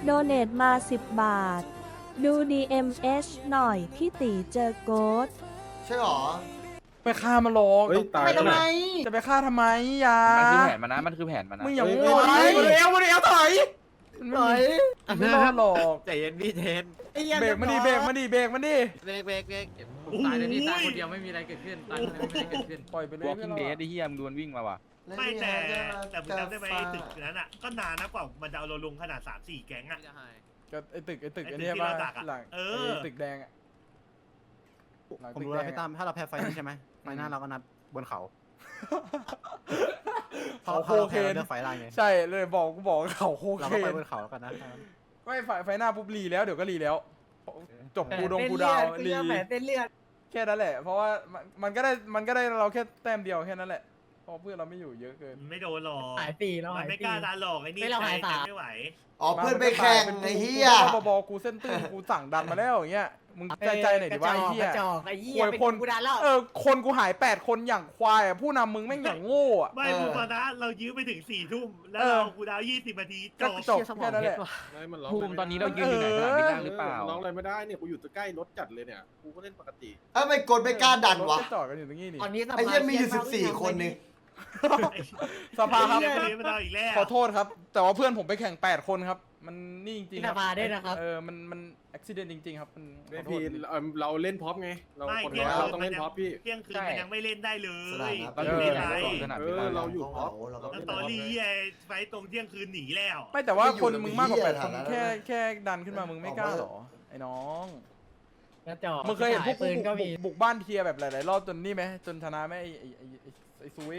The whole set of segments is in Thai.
โดเนทมา 10 บาท ดู DMH หน่อย พี่ตีเจอโกดใช่หรอไปฆ่ามันหรอกเฮ้ยตายไปทำไมจะไปฆ่าทำไมอย่ามันคือแผนมันนะมันคือแผนมันนะมึงอย่าเฮ้ยโง่เฮ้ยดิมาเร็วถอยมันไม่รอดหรอกใจเย็นพี่เทนเบรกมันดิเบรกมันดิเบรกมันดิเบรกเบรกเบรกตายเลยพี่ตายคนเดียวไม่มีอะไรเกิดขึ้นตายคนเดียวไม่มีอะไรเกิดขึ้นปล่อยไปเลยวอล์กกิ้งเดดไอ้เหี้ยมึงดวนวิ่งมาว่ะไม่แต่มึงจำได้ไหมไอ้ตึกนั้นอ่ะก็นานนะกว่ามันจะเอาเราลงขนาด 3-4 แก๊งอ่ะก็ไอ้ตึกไอ้ไอ้ตึกเนี่ยที่ป่ะเราดักอะหลังเออไอ้ตึกแดงอะหลังผมตึกรู้แดแล้วงพี่ตั้อะมถ้าเราแพ้ไฟนี้ใช่ไหมไฟหน้าเราก็นัดบนเขาเขาโคเราเคนเลือกไฟล่างไงใช่เลยบอกกูบอกเขาโคเราเคก็ไปนบนเขาแล้วกันนะไม่ไฟหน้าปุ๊บรีแล้วเดี๋ยวก็รีแล้ว จบกูดงกูดาวรีเต้นเลือดแค่นั้นแหละ เพราะว่ามันก็ได้เราแค่แต้มเดียวแค่นั้นแหละเพราะเพื่อนเราไม่อยู่เยอะเกินไม่โดนหรอกหายปีแล้วมัหาน ยไม่ปีกล้าดันหรอกไอ้นี่ไม่เราหายใจสาไม่ไหวอ๋อเพื่อนไปแข่งไอ้เหี้ยกูบอกกูเส้นตื้นกูสั่งดันมาแล้วอย่างเงี้ยมึงใจหน่อยดิว่าไอ้เหี้ยกระจอกไอ้เหี้ยป่วยเป็นคนกูดันแล้วคนกูหาย8 คนอย่างควายอะผู้นำมึงแม่งอย่างโง่อะไม่พูดมานะเรายื้อไปถึง 4 ทุ่มแล้วเรากูดาว 20 นาทีจก็บจบแค่นั้นแหละไม่มันร้องภูมิตอนนี้เรายืนอยู่ไหนสนามบินล่างหรือเปล่าร้องอะไรไม่ได้เนี่ยกูอยู่ใกล้รถจัดเลยเนี่ยกูก็เล่นปกติเอ้าไม่กดไม่กล้าดันวะก็จอดกันอยู่ตรงนี้นี่ตอนนี้สภาไอ้เหี้ยมีอยู่14 คนนี่สภาครับไอ้เหี้ยมันเอาอีกแล้วขอโทษครับ แต่ว่าเพื่อนผมไปแข่ง8 คนครับ มันนี่จริงๆคสรับภาด้วยนะครับมันอุบิเหตุจริงๆครับมันขไม่อโทพี่ษเราเล่นพร็อพไงเราไม่คนเที่ยน้งอยคืนเราต้องเล่นพร็อพพี่เที่ยงคืนมันยังไม่เล่นได้เลสนามยครับก็อยู่ไม่ในได้สนามบินล่างเราอยู่พร็อพเราก็แล้วตอรี่ไอ้ไฟตรงเที่ยงคืนหนีแล้วไม่แต่ว่าคนไม่อยู่มึงมากกว่าใน 8 คนเหี้ยแค่ดันขึ้นมามึงไม่กล้าเหรอไอ้น้องกระจอกมึงเคยเห็นพวกปืนก็มีบุกบ้านเทียร์แบบหลายๆรอบจนนี่ไหมจนชนะไหมไอ้ซุย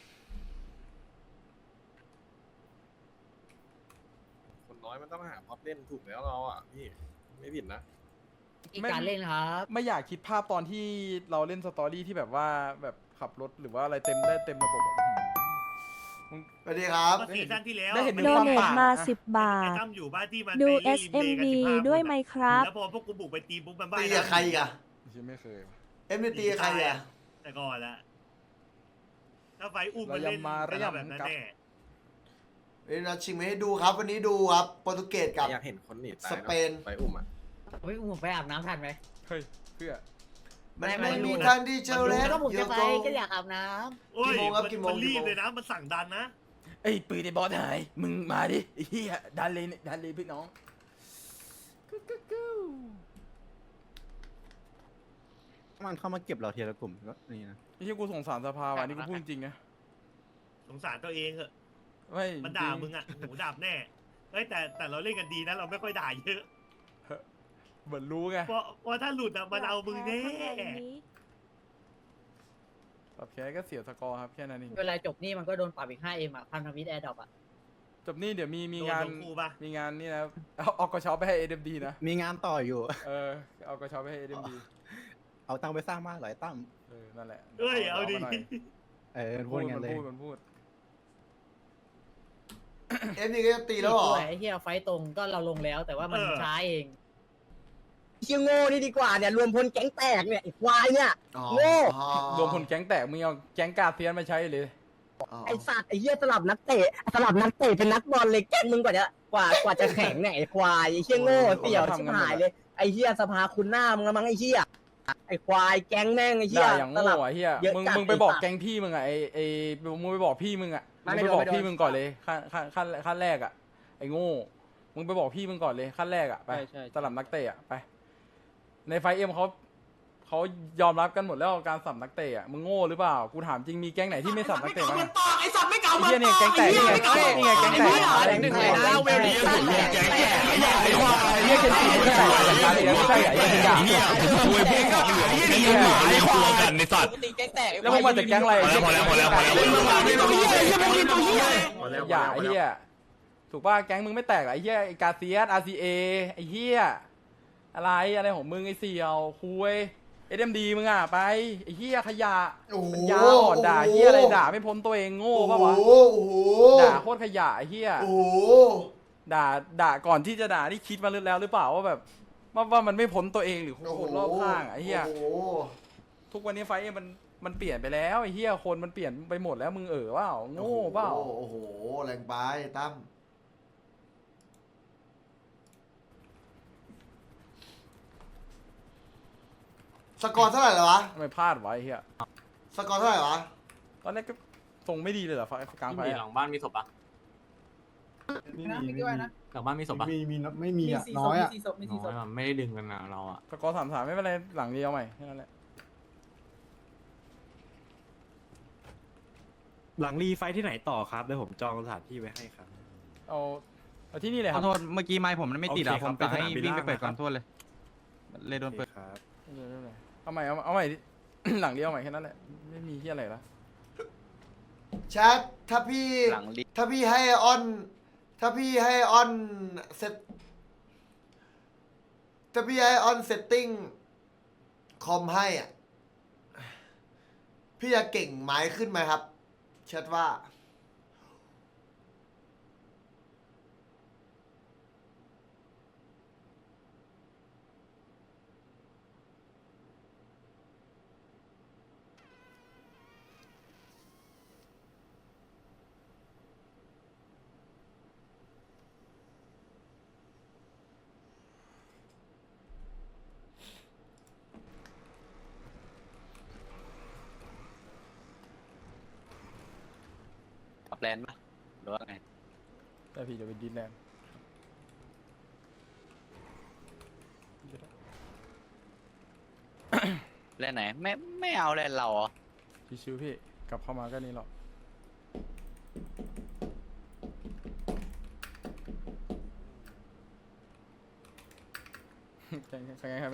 คนน้อยมันต้องหาพร็อพเล่นถูกแล้วเราอ่ะพี่ไม่ผิดนะอีกการเล่นครับไม่อยากคิดภาพตอนที่เราเล่นสตอรี่ที่แบบว่าแบบขับรถหรือว่าอะไรเต็มได้เต็มระบบอะสวัสดีครับก็ซีซั่นที่แล้วได้เห็นโดเนทมา 10 บาไอ้ทตั้มอยู่บ้านที่มันดูไปเล่นริมเลกัน SMD 15 ด้วยไหมครับแล้วพอพวกกูบุกไปตีปุ๊บมันบ้าตีกับใครอีกอะไม่เคยว่ะเอ็มตีกับใครอะแต่ก่อนละถ้าไฟอุ้มมันเราเล่นยำมาระยำแบบนั้นกับแน่เดี๋ยวเราชิงมาให้ดูครับ วันนี้ดูครับโปรตุเกสกับอยากเห็นคนหนีตายสเปนไปอุ้มอ่ะเฮ้ยผมไปอาบน้ำทันไหมเฮ้ยเพื่อมันไม่ไม่ไม่มีรู้ทางที่จะเล่นก็ผมเยจะอะไปโกก็อยากอาบน้โอ้ยกี่โมงครับกี่โมงมันรีบกี่โมงเลยนะมันสั่งดันนะไอ้ปืนในบอสหายมึงมาดิไอ้เหี้ยดันเลยพี่น้องมันเข้ามาเก็บเราทีละกลุ่มก็นี่นะไอ้ที่กูสงสารสภาว่ะนี่กูพูดจริงนะสงสารตัวเองเหอะไม่มันด่ามึงอ่ะหูดับแน่เฮ้ยแต่เราเล่นกันดีนะเราไม่ค่อยด่าเยอะเหมือนรู้ไงเพราะถ้าหลุดอ่ะมันเอามึงแน่ปรับแค่ก็เสียสกอร์ครับแค่นั้นเองำเวลาจบนี่มันก็โดนปรับอีก 5M อ่ะพันธมิตรแอร์ดรอปอ่ะจบนี่เดี๋ยวมีโดนงานทั้งคู่ปะมีงานนี่นะเอากระเช้าไปให้ AMD นะมีงานต่ออยู่เอากระเช้าไปให้ AMD เอาตังค์ไปสร้างบ้านหลายตั้มนั่นแหละเอ้ยเอาดิมหน่ยพูดงั้นเลยมันพูดเอ็มนี่ก็จะตีแล้วเหรอไอ้เหี้ยไฟตรงก็เราลงแล้วแต่ว่ามันช้าเองเชี่ยโง่นี่ดีกว่าเนี่ยรวมพลแก๊งแตกเนี่ยไอ้ควายเนี่ยอ๋อโง่รวมพลแก๊งแตกมึงเอาแก๊งกาเซียนมาใช้เลยอ๋อไอ้สัตว์ไอ้เหี้ยสลับนักเตะเป็นนักบอลเลยแก๊งมึงกว่าจะแข็งเนี่ยไอ้ควายไอ้เชี่ยโง่เสี่ยวชิบหายเลยไอ้เหี้ยสภาคุณหน้ามึงละมั้งไอ้เหี้ยไอ้ควายแก๊งแม่งไอ้เหี้ยด่าอย่างสโง่ลับอะเฮียเยอะมึงจัดมึงไปบอกไอ้สัตว์แก๊งพี่มึงอะมึงไปบอกพี่มึงอะไม่มึงไม่ไปบอกโดนพี่มึงก่อนเลยขั้นแรกอะไอ้โง่มึงไปบอกพี่มึงก่อนเลยขั้นแรกอะไปสลับนักเตะอะไปในไฟเอ็มเขายอมรับกันหมดแล้วการสับนักเตะอะมึงโง่หรือเปล่ากูถามจริงมีแก๊งไหนที่ไม่สับนักเตะบ้างอะไอ้สัตว์ไม่เก่าไอ้เหี้ยเนี่ยแก๊งแตกนี่ไงนี่ไงแก๊งแตกแก๊งแตกแล้วเวลนี้แก๊งแตกไอ้ควายไอ้เหี้ยเคนจิไม่ใช่จัดการเลยไม่ใช่ไอ้เหี้ยเหี้ยไอ้ควายกันในสัตว์ตีแก๊งแตกแล้วมึงมาจากแก๊งอะไรพอแล้วอย่าไอ้เหี้ยถูกป่ะแก๊งมึงไม่แตกหรอไอ้เหี้ยไอ้กาเซียส RCA ไอ้เหี้ยอะไรของมึงไอ้เสี่ยวคุยSMD มึงอ่ะไปไอ้เหี้ยขยะโอ้โหปัญญาอ่อนด่าเหี้ยอะไรด่าไม่พ้นตัวเองโง่ป่ะวะโอ้โหด่าโคตรขยะไอ้เหี้ยโอ้โหด่าก่อนที่จะด่านี่คิดมาแล้วหรือเปล่าว่าแบบว่ามันไม่พ้นตัวเองหรือคนรอบข้างอะไอ้เหี้ยโอ้โหทุกวันนี้ไฟท์มันเปลี่ยนไปแล้วไอ้เหี้ยคนมันเปลี่ยนไปหมดแล้วมึงเปล่าโง่เปล่าโอ้โหแรงไปตั้มสกอร์เท่าไหร่เหรอวะทำไมพลาดไวะไอ้เฮียสกอร์เท่าไหร่วะตอนแรกก็ทรงไม่ดีเลยเหรอไฟกลางไฟหลังบ้านมีศพปะไม่ด้วยนะหลังบ้านมีศพปะมีไม่มีอ่ะน้อยอ่ะไม่ได้ดึงกันนะเราอะสกอร์3-3ไม่เป็นไรหลังเดียวใหม่แค่นั้นแหละหลังรีไฟที่ไหนต่อครับเดี๋ยวผมจองสถานที่ไว้ให้ครับเอาที่นี่เลยคขรัอบ โทษเมื่อกี้ไม้ผมมันไม่ติดอ่ะโอเคผครับมกะให้ไปสนามบินวิ่งไปล่างเปิดก่อนนะครับโทษเลยเลยโดนเปิดครับเอาใหม่เอาใหม่ หลังเดียวใหม่แค่นั้นแหละไม่มีที่อะไรละแชทถ้าพี่ให้ออนเซตถ้าพี่ให้ออนเซตติ้งคอมให้อ่ะพี่จะเก่งไม้ขึ้นไหมครับแชทว่าขับแลนด์ปะหรือว่าไงแต่พี่จะไปดินแลนด์แลนด์ไหนไม่เอาแลนด์เราเหรอชิวๆพี่กลับเข้ามาก็นี่หรอกใช่ครับ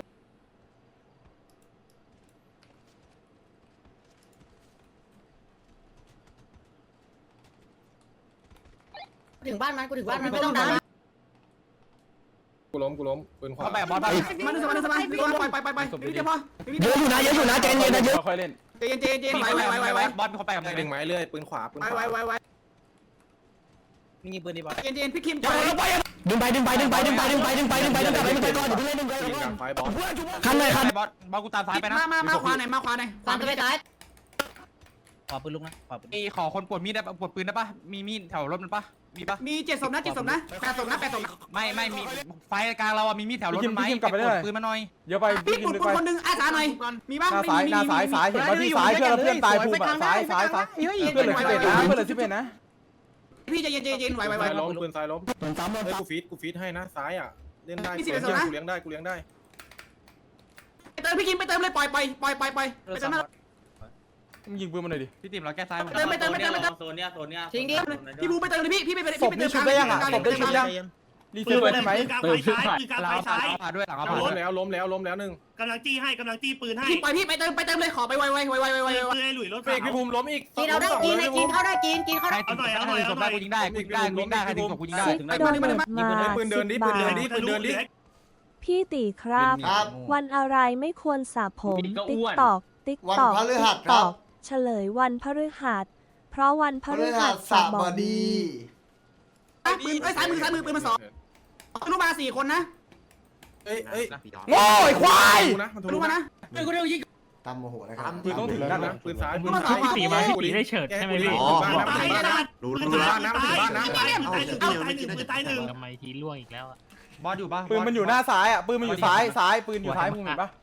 ถึงบ้านมันกูถึงบ้านมันไม่ต้องดันกูล้มปืนขวาเขาแบกบอลไปมันสบายสบายไปศพดีๆเยอะอยู่นะใจเย็นนะเยอะค่อยๆเล่นเย็นไวบอลเขาแบกกับดึงไม้เรื่อยปืนขวาปืนขวาไวมีปืนดีบอลเย็นพี่คิมดึงไปก่อนอย่าเพิ่งเล่นดึงไปยิงกับไฟบอลคันเลยคันบอลกูตามซ้ายไปนะมาขวาไหนขวาไปซ้ายขอปืนลุกนะขอคนปวดมีดได้ปะปวดปืนได้ปะมีมีดแถวรถมันปะมีปะมี7 ศพนะ8 ศพนะไม่มีไฟกลางเราอะมีมีดแถวรถมันไหมปวดปืนมาหน่อยเดี๋ยวไปพี่กิปุนดลึกไปคนนึงอาสาหน่อยมีบ้างหน้าซ้ายเห็นว่าที่ซ้ายเพื่อนเพื่อนตายภูมิซ้ายเพื่อนเหลือ11นะเพื่อนเหลือ11นะพี่จะเย็นไวซ้ายล้มปืนซ้ายล้มเหมือนซ้ำเฮ้ยกูฟีดให้นะซ้ายอ่ะเล่นได้มีกู 11 เลี้ยงได้กูเลี้ยงได้เติมพี่คิมไปเติมเลยปล่อยไปเติมมึงยิงปืนมาหน่อยดิพี่ติ๋มเราแก้ซ้ายเติมโซนเนี้ยทิ้งดิพี่บูไปเติมเลยพี่ไปศพนี่ชุบได้ยังอ่ะศพได้ชุบยังรีเซ็ตได้ไหมปืนกลางไฟซ้ายผ่าด้วยหลังเอาล้มแล้วหนึ่งกำลังจี้ปืนให้พี่ปล่อยพี่ไปเติมเลยขอไปไวปืนให้หลุยรถเฟกพี่ภูมิล้มอีกกินเอาได้กินเข้าได้กินเข้าได้เอาหน่อยศพได้กูยิงได้กูยิงได้ใครถึงศพกูยิงได้ซิกถึงได้โดเนตมาปืนเดินดิ 10 ปืนบาเดินทดิปืนเดินดิพี่ตีครับครับวันอะไรไม่ควรสระผม ติ๊กตอกวันพฤหัสครับเฉลยวันพฤหัส เพราะวันพพฤฤหัหัสสบดีปืนซ้ายมือปืนมา2ลูกมา4 คนนะเอ้ยโง่ไอ้ควายนะมันทะลูลุกมานะตามโมโหนะครับปืนต้องถึงนั่นนะปืนซ้ายลูกมา2 พี่ตีได้เฉิดใช่ไหมพี่บ้านนะตายบ้านนะปืนตายตายปืนตายหนึ่งทำไมทีล่วงอีกแล้วบอลอยู่ปะปืนมันอยู่หน้าซ้ายอ่ะปืนมันอยู่ซ้ายปืนอยู่ซ้ายมึงเห็นปะ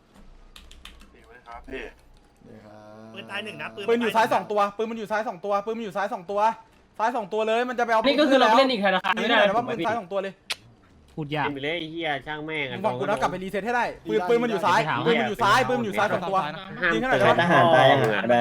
ปืนตายหนึ่งนะปืนอยู่ซ้าย2ตัวปืนมันอยู่ซ้าย2ตัวปืนมันอยู่ซ้าย2ตัวซ้าย2ตัวเลยมันจะไปเอานี่ก็คือเราเล่นอีกธนาคารไม่ไม่ได้ได้นะว่าปืนซ้าย2ตัวเลยพูดยากไปเลยเฮียช่างแม่งมึงฟังกูนะกลับไปรีเซ็ตให้ได้ปืนมันอยู่ซ้ายปืนมันอยู่ซ้าย2ตัวยิงให้หน่อยได้ปะทหารตายยังไงได้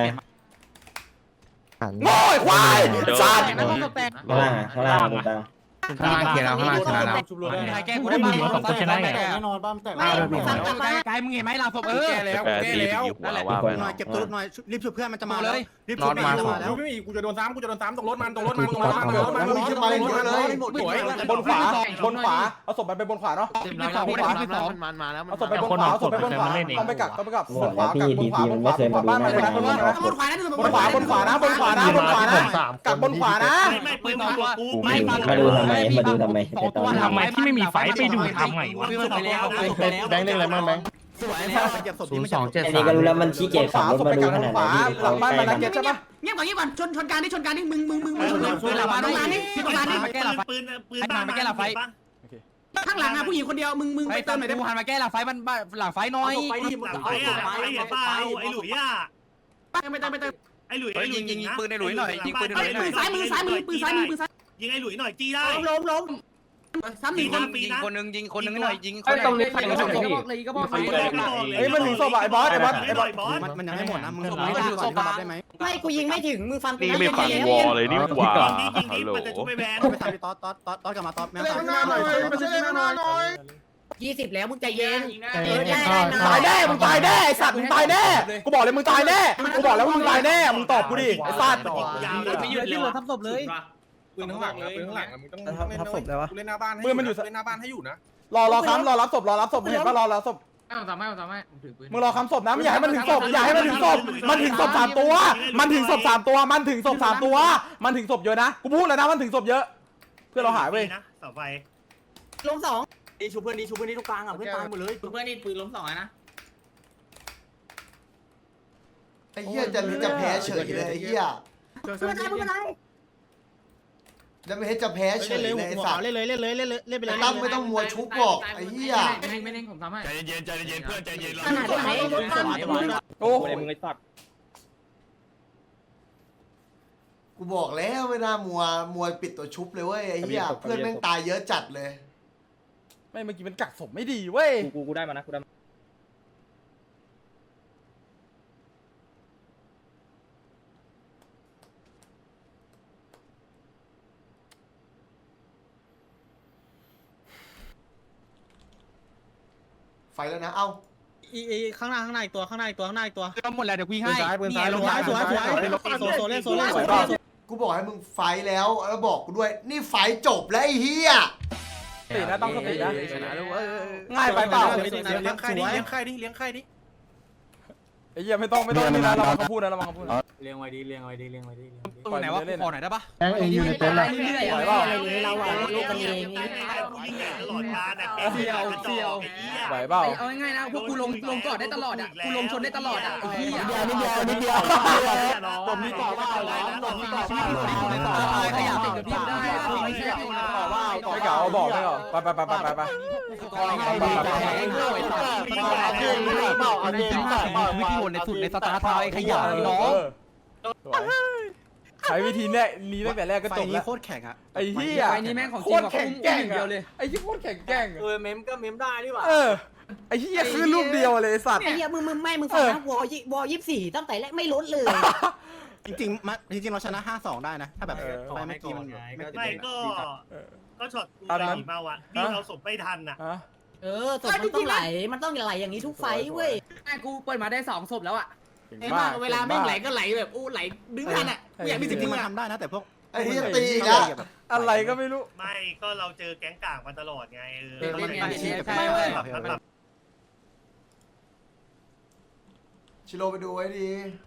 โง่ไอ้ควายสัตว์ข้างล่างตรงกลางข้างล่างเคลียร์แล้วข้างล่างชนะแล้วชุบเลยใครแก้กูได้บ้างแน่นอนบ้ามแตกไกลมึงเห็นไหมเราศพแก้แล้วนั่นแหละหน่อยเก็บตัวหน่อยรีบช่วยเพื่อนมันจะมาเลยรีบนช่อวยนเพื่มาอนมาแล้วไม่มีกูจะโดนซ้ำตรงรถมันมีขึ้นมาเยอะเลยสวยบนขวาเอาศพไปบนขวาเนาะมันมาแล้วเอาศพไปบนขวาต้องไปกักบนขวากักบนขวาบ้านมันนะบนขวานะบนขวากักบนขวานะไม่ปืนตัวกูไม่มาดูทำไมตอนทำไมที่ไม่มีไฟไปดูทำไงวะไปแล้วแบงค์เล่นอะไรบ้างแบงค์สวยแค่เก็บศพที่มันจะอันนี้ก็รู้แล้วมันขี้เกียจขับรถมาดูขนาดไหนพี่หลังบ้านมันนะเก็ตใช่ปะเงียบก่อนชนการนี่มึงหลับมาตรงกลางนี่พี่ตรงกลางนี่ปืนปืนข้างหลังอะผู้หญิงคนเดียวมึงไปเติมหน่อยได้หันมาแก้หลังไฟมันหลังไฟน้อยหลังไฟอ่ะไอ้เห็นเปล่าไอ้หลุยอ่ะไม่เติมไอ้หลุยยิงปืนในหลุยหน่อยยิงปืนในหลุยหน่อยซ้ายมือปืนซ้ายยิงไอ้หลุยหน่อยจี้ได้ล้มซ้ำหนึ่งคนยิงคนนึงหน่อยยิงตรงนี้ใครก็บอกเลยก็บอกเฮ้ยมันถึงศพอ่ะไอ้บอสมันยังไม่หมดนะมึงส่งให้ดูก่อนได้ไหมไม่กูยิงไม่ถึงมึงฟังกูนี่ไม่ฟังวอเลยนี่หว่ายิงมันจะช่วยแบนไปทำพี่ต๊อดกลับมาต๊อดแม่ข้างหน้าหน่อยมาช่วยข้างหน้าหน่อย 20แล้วมึงใจเย็นตายแน่มึงตายแน่ไอ้สัตว์มึงตายแน่กูบอกเลยมึงตายแน่กูบอกแล้วมึงตายแน่มึงตอบกูดิไอ้สัตว์ไม่หยุดเลยทับศพเลยปืนข้างหลังนะปืนข้างหลังมึงต้องทับศพได้ปะเล่นหน้าบ้านให้เล่นหน้าบ้านให้อยู่นะรอค้ำรอรับศพมึงเห็นปะรอรับศพไม่ทำไม่ผมถือปืนมึงรอค้ำศพนะไม่อยากให้มันถึงศพอย่าให้มันถึงศพมันถึงศพ3 ตัวมันถึงศพ3 ตัวมันถึงศพ3 ตัวมันถึงศพเยอะนะกูพูดแล้วนะมันถึงศพเยอะเพื่อเราหายเว้ยนะเสาไฟลงดีชูเพื่อนนี่ทุกกลางอ่ะเพื่อนตายหมดเลยเพื่อนนี่ปืนล้ม2นะไอ้เหี้ยจะแพ้เฉยเลยไอ้เหี้ย 2ไม่เป็นไรจะไม่ให้จะแพ้เฉยเลยไอ้สัตว์เล่นไปเลยตั้มไม่ต้องมัวชุบบอกไอ้เหี้ยไม่เน่งผมทำให้ใจเย็นเพื่อนใจเย็นขนาดไหนรถตั้มโอ้มึงไอ้ตัดกูบอกแล้วไม่น่ามัวปิดตัวชุบเลยเว้ยไอ้เหี้ยเพื่อนแม่งตายเยอะจัดเลยไม่เมื่อกี้มันกักศพไม่ดีเว้ยกูได้มานะกูได้ไฟแล้วนะเอ้าข้างหน้าอีกตัวหมดแล้วเดี๋ยวกูยิงให้ปืนซ้ายลงสวยโซเล่นกูบอกให้มึงไฟแล้วบอกกูด้วยนี่ไฟจบแล้วไอ้เหี้ยสตินะต้องสตินะง่ายไปเปล่าเลี้ยงไข่ดิเลี้ยงไข่ดิไอ้เหี้ยไม่ต้องนี่นะระวังเขาพูดนะระวังเขาพูดเลี้ยงไว้ดีตรงไหนวะขอหน่อยได้ปะเองอยู่ในเต็นท์แหละไหวเปล่าเราอ่ะลูกกันเองกูยิงใหญ่ตลอดการอ่ะเสียวไหวเปล่าเอาง่ายๆนะพวกกูลงก่อนได้ตลอดอ่ะกูลงชนได้ตลอดอ่ะไอ้เหี้ยนิดเดียวผมมีต่อว่าผมมีต่อว่าขยับติดกับพี่ได้ไม่ใช่ไม่เก่าบอกไม่เก่าไปวิธีวนในสุดในสตาร์ทไอ้ขยะน้องใช้วิธีนี้ตั้งแต่แรกก็จบนี้แล้วโคตรแข็งอ่ะไอ้เหี้ยไฟนี้แม่งของจโคริงตรกว่าแข็งอุ้มแกร่งเดียวเลยไอ้เหี้ยโคตรแข็งแกร่งเมมก็เมมได้ดีกว่าไอ้เหี้ยคือลูกเดียวเลยไอ้สัตว์ไอ้เหี้ยมึงฟังนะวอ24ตั้งแต่แรกไม่ลดเลยจริงเราชนะ 5-2 ได้นะถ้าแบบไฟเมื่อกี้มันไม่ไม่ก็ช็อตกูดีมาว่ะนี่เราสมไม่ทันอ่ะศพมันต้องไหลอย่างนี้ทุกไฟเว้ยกูเปิดมาได้2ศพแล้วอ่ะเวลาแม่งไหลก็ไหลแบบอู้ไหลดึงทันอ่ะกูอยากมีจสิ่งริงนี้มันอ่ะทำได้นะแต่พวกไอ้เหี้ยตีอีกแล้วอะไรก็ไม่รู้ไม่ก็เราเจอแก๊งกากมาตลอดไงชิโร่ไปดูไว้ดี